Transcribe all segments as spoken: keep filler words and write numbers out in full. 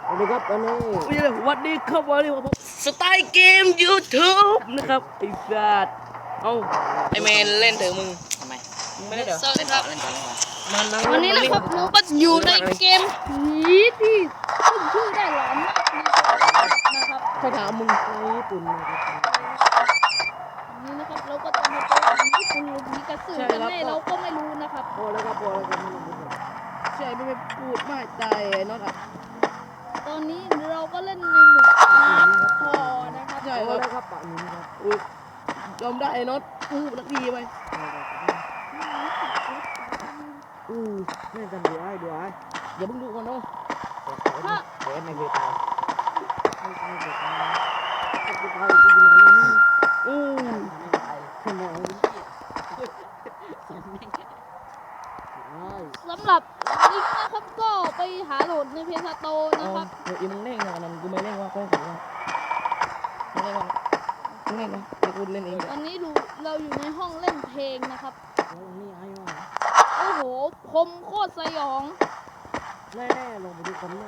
สวัสดีครับตอนนี้วันนี้ครับวันนี้ผมสไตล์เกม YouTube นะครับไอ้สัตว์เอ้าไอเมนเล่นเถอะมึงทำไมไม่ได้เดี๋ยวเล่นต่อเล่นต่อเล่นต่อมันนั่งวันนี้นะครับเราก็อยู่ในเกมผีที่ขึ้นชื่อได้หลอนมากนะครับใครถามมึงในญี่ปุ่นนะครับนี่นะครับเราก็จะมาเจอผีญี่ปุ่นหรือผีกระสือกันแน่เราก็ไม่รู้นะครับพอแล้วครับพอแล้วครับไม่ต้องพูดแล้วใช่ไม่ไปพูดมากใจไอ้น็อตอ่ะตอนนี้เราก็เล่นในหมู่น้ำพอนะครับใช่พอคแล้วรับครับปะนี้ครับอุ้ยยอมได้ไอ้น็อตพูดนักดีไปอือแม่กันดูไอ้ดูไอ้อย่าเพิ่งดูก่อนเนาะเดี๋ยวไม่เคยตายไม่เคยตายไม่เคยตายที่อยู่ไหนนี่อืมไม่ตายขึ้นมาไอ้สำหรับลิงก์นะครับก็ไปหาโหลดในเพจสโตร์เอานะครับเดี๋ยวอีมึงเล่นนะนั่นกูไม่เล่นว่ากูไม่เล่นว่าไม่เล่นว่ามึงเล่นนะเดี๋ยวกูเล่นเองตอนนี้ดูเราอยู่ในห้องเล่นเพลงนะครับแล้วนี่ไอ้ว่าโอ้โหคมโคตรสยองแน่ๆลงไปดูคอมเลย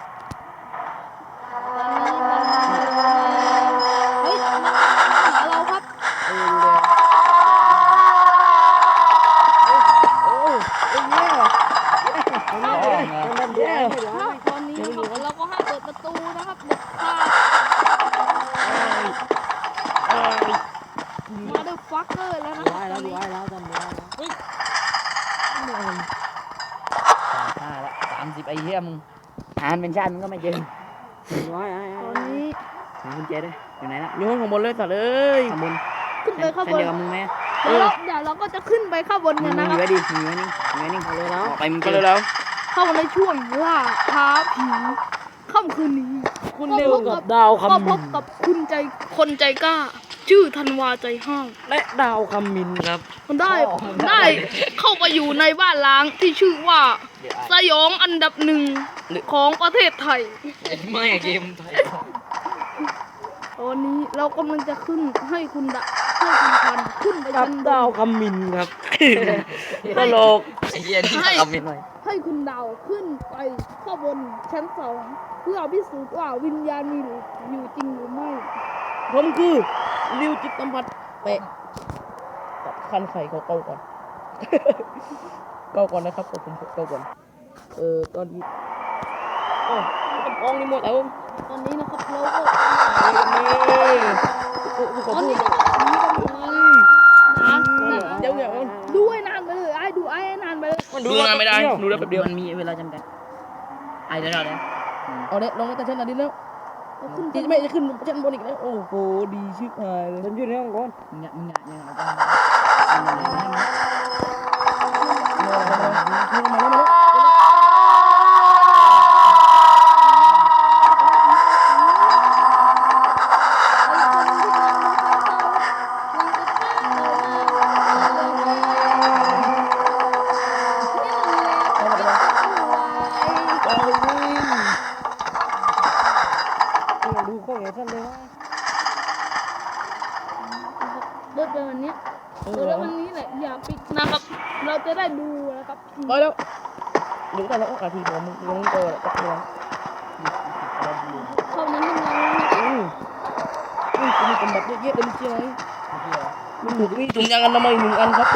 ตอนนี้มันเฮ้ยมันมาหาเราครับเออเลยโอ้โอ้ยแย่ตอนนี้ตอนนั้นดูไอ้ดูไอ้ตอนนี้นะครับเราก็ห้ามเปิดประตูนะครับเด็ดขาดเอ้ยมาด้วยฟักเกอร์แล้วนะดูคไอ้รับแล้วดูไอ้แล้วจำดูไอ้แล้วเฮ้ยสามห้าละสามสิบไอ้เหี้ยมึงหารเป็นชาติมึงก็ไม่เจอดูไอ้ไอ้ตอนนี้หาคุณเจด้วยอยู่ไหนละอยู่ห้องข้างบนเลยสัตว์เอ้ยข้างบนขึ้นไปข้างบเส้นนเดียวกับมึงไหมเดี๋ยวเราเดี๋ยวเราก็จะขึ้นไปข้างบนมึกังนมึนะงคอยู่รับไว้ดิมึงอยู่ไว้นิ่งอยู่ไว้นิ่งเลยแล้วออกไปมึงก็เลยแล้วเข้าในช่วงล่าท้าผีค่ำคืนนี้คุณเร็วกับดาวก็คำพมิบนกับคุณใจคนใจกล้า ชื่อธันวาใจห้าวและดาวคำมินครับได้ ได้เข้าไปอยู่ในบ้านล้างที่ชื่อว่าสยองอันดับหนึ่งของประเทศไทยไม่เกมไทยตอนนี้เรากำลังจะขึ้นให้คุณดะให้คุณพันขึ้นไปกับชั้นบดาวน คำมินครับตลกไอ้เหี้ยนี่คำมินหน่อยให้คุณดาวขึ้นไปข้างบนชั้นสองเพื่อพิสูจน์ว่าวิญญาณมีอยู่จริงหรือไม่ผมคือริวจิตสัมผัสเตะกับคันไข่เขาเกาก่อน เกาก่อนนะครับผมเกาก่อนเออตอนนี้โอ้กระปองนี่หมดแล้วตอนนี้นะครับเราก็นี่กูกูขตออนพูนี้ดนะครับผีกันเลยนะนะเดี๋ยวเดี๋ยวดูให้นานไปเลยไอ้ดูไอ้ให้นานไปเลยดูนานไม่ได้ดูได้แป๊บเดียวมันมีเวลาจำกัดไอ้เดี๋ยวเราเนี่ยเอาเด็ลงมาแต่ชั้นอันนี้แล้วเอาขึ้นที่ไม่จะขึ้นชั้นบนอีกแล้วโอ้โหดีชิบหายเลยฉันอยู่ในห้องก่อนมึงเนี่ยมึงเนี่ยยังเอาไปมาแล้วมาแล้วเอาวิ่งเนี่ยดูข้องอย่างฉันเลยว่าเดินไปวันนี้เออแล้ววันนี้แหละอย่าปิดนะครับ เราจะได้ดูนะครับไปแล้วหรือแต่ละอาทีผมมึงลงเจอแล้วก็ลงเข้านั้นยังไงอืมอืมมีกำบัดเยอะๆเลยใช่ไหมมันหนุกนี่ถุงยางอนามัยหนึ่งอันครับ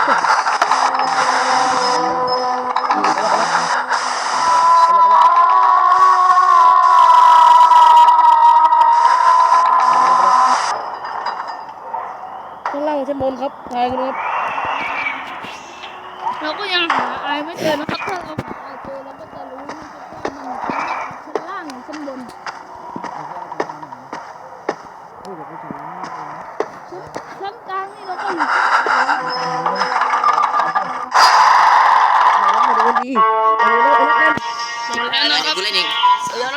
ข้างล่างชั้นบนครับทายกันครับเราก็ยังหาไอายไม่เจอนะครับ ถ้าเราหาไอายเจอเราก็จะรู้นะครับว่ามันชั้นล่างหรือชั้นบนเฮ้ยเดี๋ยวไปถึงนะชั้นชั้นกลางนี่เราก็อยู่มาดูดีเอาเลยเอาเลยแล้วนะครับกูเล่นเองเออแล้ว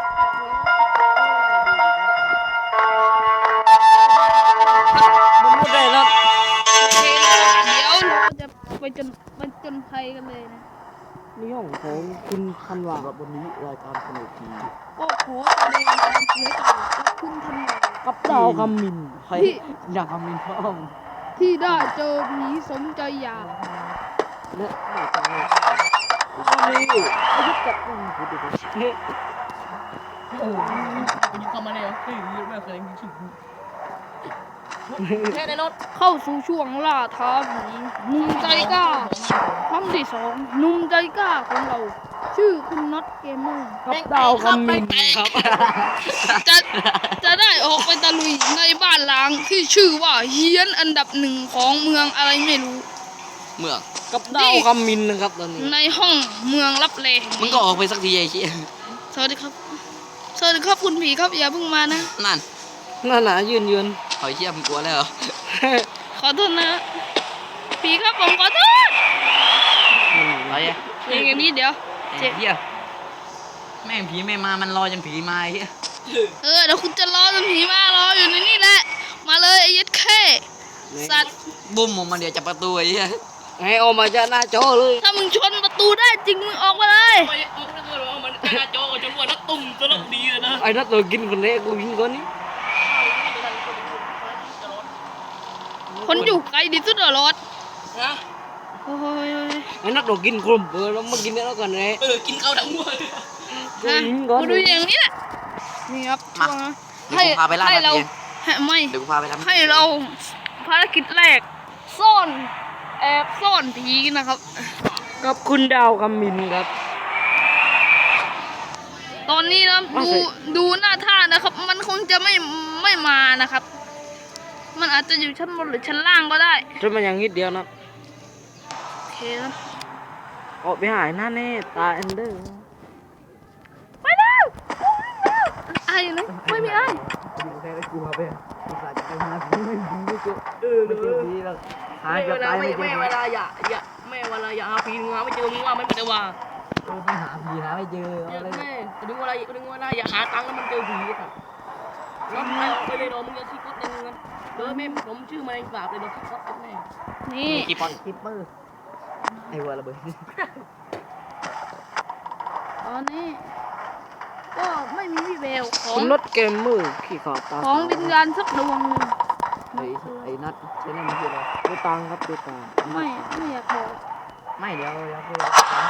มันไม่ได้แล้วโอเคนะครับเดี๋ยวเราจะไปจนไปจนภัยกันเลยนะนี่ห้องของคุณธันวาครับวันนี้รายการสนุกทีก็ขอแสดงความเสียใจกับคุณทันวากับดาวคำมินใครอยากคำมินพ่อมที่ได้เจอผีสมใจอยากและไม่ใช่ตอนนี้อายุกับคุณผู้ดูออกูยิงเข้ามาแล้วเฮ้ยไม่เคยยิงฉุกแค่ในรถเข้าสู่ช่วงล่าท้าผีหนุ่มใจกล้าครั้งที่สองหนุ่มใจกล้าของเรา ชื่อคุณน็อตเกมเมอร์ครับดาวคำมินครับจะจะได้ออกไปตะลุยในบ้านล้างที่ชื่อว่าเฮียนอันดับหนึ่งของเมืองอะไรไม่รู้เมืองกับดาวคำมินนะครับตอนนี้ในห้องเมืองลับแลมึงก็ออกไปสักทีไอ้เชี่ยสวัสดีครับ สวัสดีครับคุณผีครับอย่าเพิ่งมานะนั่นน่าหนายืนยืนหอยเชี่ยมึงกลัวแล้วเหรอขอโทษนะผีครับผมขอโทษอะไรอ่ะอย่างอย่างนี้เดี๋ยวไอ้เชี่ยแม่งผีไม่มามันรอจนผีมาไอ้เชี่ยเออเดี๋ยวคุณจะรอจนผีมารออยู่ในนี่แหละ มาเลยไอ้ยัดแค่สัตว์บุ้มออกมาเดี๋ยวจับประตูไอ้เชี่ยให้ออกมาจากหน้าจอเลยถ้ามึงชนประตูได้จริงมึงออกมาเลยไปออกแล้วก็มันหน้าจอจนว่านักตุ่มตลกดีเลยนะไอ้นักตัวกินคนแรกกูยิงคนนี้คนอยู่ไกลดิสุดเหรอรถนะโอ้ยไอ้นักตัวกินกลุ่มเออแล้วมากินแล้วกันเลยเออกินข้าวทั้งหมดกูฮะยิงก่อนกูดูอย่างนี้แหละนี่ครับช่วงนะเดี๋ยวกูพาไปล่าให้ตะเราเพียนให้ไม่เดี๋ยวกูพาไปทำให้เราภารกิจแรกซ่อนแอบซ่อนผีนะครับกับคุณดาวคำมินครับตอนนี้นะอ้าวดูใช่ดูหน้าท่านะครับ มันคงจะไม่ไม่มานะครับ มันอาจจะอยู่ชั้นบนหรือชั้นล่างก็ได้จนมันยังนิดเดียวนะโอเคนะออกไปหายหน้าแน่ตาเอนเดอร์ไปแล้วไอ้อยู่ไหนไม่มีไอ้แค่ได้กลัวไปกูสาจะไปหาผีไม่ผีไม่เจอเออไม่เจอผีแล้วหาจะตายไม่เจอแม่ผีเวลาอย่าอย่าแม่เวลาอย่าหาผีมึงหาไม่เจอมึงว่าไม่เป็นไรว่าเออไปหาผีหาไม่เจอเอาเลยแม่ดึงเวลาดึงเวลาอย่าหาตังค์แล้วมันเจอผีครับรถไฟออกไปเลยโดมึงจะคิดก็ดึงเงินเออแม่ผมชื่อมาในสาบเลยโดนคิดก็แม่นี่กี่ปอนคิปเปอร์ไอ้วัวระเบิดตอนนี้ ก็ไม่มีวิแววของคุณรถเกมมือขี่ขอตาของวิญญาณสักดวงหนึ่งไอ้ไอ้นัทใช่ไหมมันคืออะไรดูตังครับดูตาไม่ไม่อยากบอกไม่เดี๋ยวเดี๋ยวคือ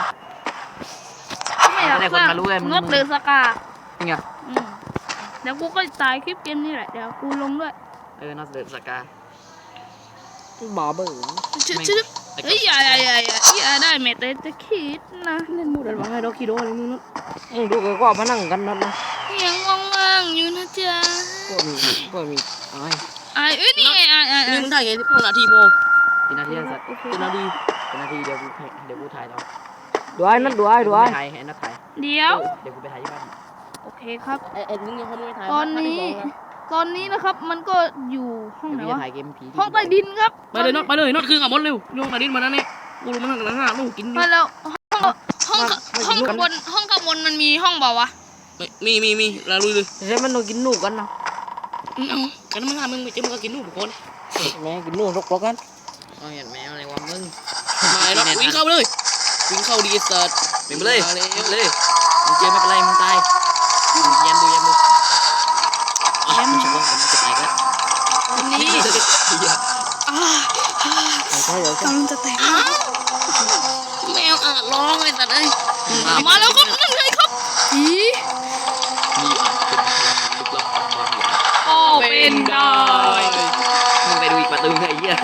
ไม่อยากจะได้สคนร้างมารู้ไงมึงงดเดือสกาจริงเหรออืมเดี๋ยวกูก็ตายคลิปเกมนี่แหละเดี๋ยวกูลงด้วยเออนัทเดินสกาบาเบอร์ชึชึเฮ้ยอย่าอย่าอย่าอย่าอย่าได้แม้แต่จะคิดนะเล่นมูดอะไรให้เราคิดดูอะไรมึงนุ๊กมึงดูกันว่ามานั่งกันนั่นนะยังว่างๆอยู่นะจ๊ะก็มีก็มีไอ้ไอ้เอ้ยนี่ไงไอ้ไอ้ไอ้นี่มึงถ่ายไงที่พวกนาทีโมกี่นาทีสัตว์โอเคเป็นนาทีกี่นาทีเดี๋ยวกูเดี๋ยวกูถ่ายเราดูไอ้นั่นดูไอ้ดูไอ้ถ่ายให้นัทถ่ายเดี๋ยวเดี๋ยวกูไปถ่ายที่บ้านโอเคครับไอ้ไอ้มึงยังเขาไม่ถ่ายตอนนี้ ตอนนี้นะครับมันก็อยู่ห้องเดี๋ยวไหนกูจะวะถ่ายเกมผีห้องใต้ดินครับไปเลยน็อตไปเลยน็อตคือกับมดเร็วโยงใต้ดินมานั่นนี่กูรู้มันนั่งกันห้าลูกกินดิมาแล้วห้องห้องห้องข้างบนห้องข้างบนมันมีห้องเปล่าวะมีมีมีแล้วลุยเลยใช่มันต้องกินนูกันนะเอากันมึงหามึงไม่เจอมึงก็กินนูทุกคนแม่กินนูรกรกกันอ๋อเห็นแมวอะไรวะมึงมาแล้ววิ่งเข้าไปเลยวิ่งเข้าดีสัตว์เป็นไปเลยเป็นไปเลยมึงเจอไม่เป็นไรมึงตายยันดูยันดูอ๋อมันชักว่ามันจะตายแล้วตอนนี้อ่าใช่เหรอกำลังจะแตกแล้วแมวอ่ะร้องเลยสัตว์เอ้ยมาแล้วครับนั่นไงครับผีมีอาจเป็นพลังลึกลับบางอย่างก็เป็นได้มึงไปดูอีกประตูไอ้เหี้ย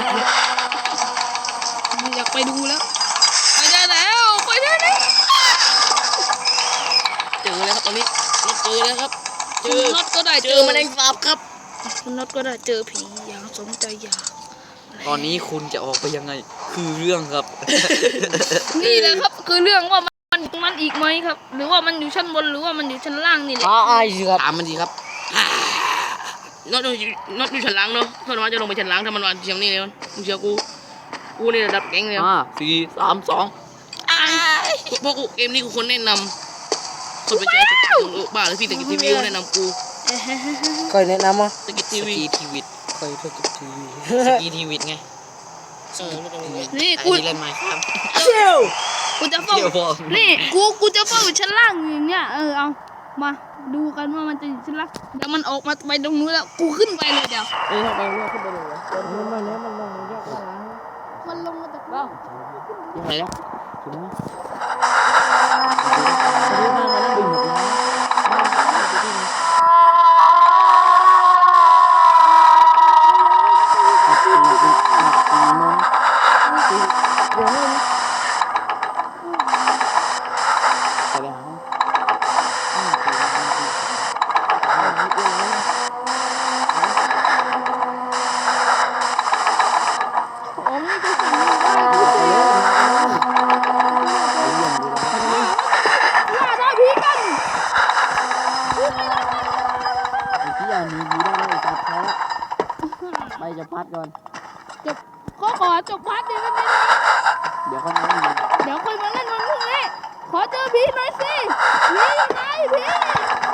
ไม่อยากไปดูแล้วไปได้แล้วไปได้แล้วเจอแล้วครับตอนนี้น็อตเจอแล้วครับเจคุณอน็อตก็ได้เจอแมลงสาบครับคุณน็อตก็ได้เจอผีอย่างสมใจอยากตอนนี้คุณจะออกไปยังไงคือเรื่องครับนี่แหละครับคือเรื่องว่ามันมันอีกไหมครับ หรือว่ามันอยู่ชั้นบนหรือว่ามันอยู่ชั้นล่างนี่แหละอ่าไอ้สิครับถามมันดีครับน็อตอยู่น็อตอยู่ชั้นล่างเนาะส่วนมากจะลงไปชั้นล่างถ้ามันวางเชียงนี่เลยมึงเชื่อกูกูนี่ระดับแก๊งเลยห้าสี่สามสองเพราะกูเกมนี้กูคนแนะนำคนไปเจอสกิลบ้าหรือพี่ตะกิดทีวีแนะนำกูเคยแนะนำมั้ยตะกิดสทีวีกีทีวิตเคยเธอกับทีวีสกีทีวิตไงเออไม่ต้องเลยนี่ไอ้กูที่เล่นไมค์ครับกูจะเฝ้าเดี๋ยวพอนี่กูกูจะเฝ้าอยู่ชั้นล่างอย่างเงี้ยเออเอามาดูกันว่ามันจะอยู่ชั้นล่างเดี๋ยวมันออกมาไปตรงนู้นแล้วกูขึ้นไปเลยเดี๋ยวเออไปว่าขึ้นไปเลยวะมันมาเนี้ยมันลงยากกว่าล้างมันลงมาจากล่างยังไงแล้วถึงไหมอันนี้มันมันดึงหมดแล้วครับเดี๋ยวไม่เป็นไรเดี๋ยวค่อยมาเล่นเดี๋ยวค่อยมาเล่นวันพรุ่งนี้ขอเจอผีหน่อยสิผีอยู่ไหนผี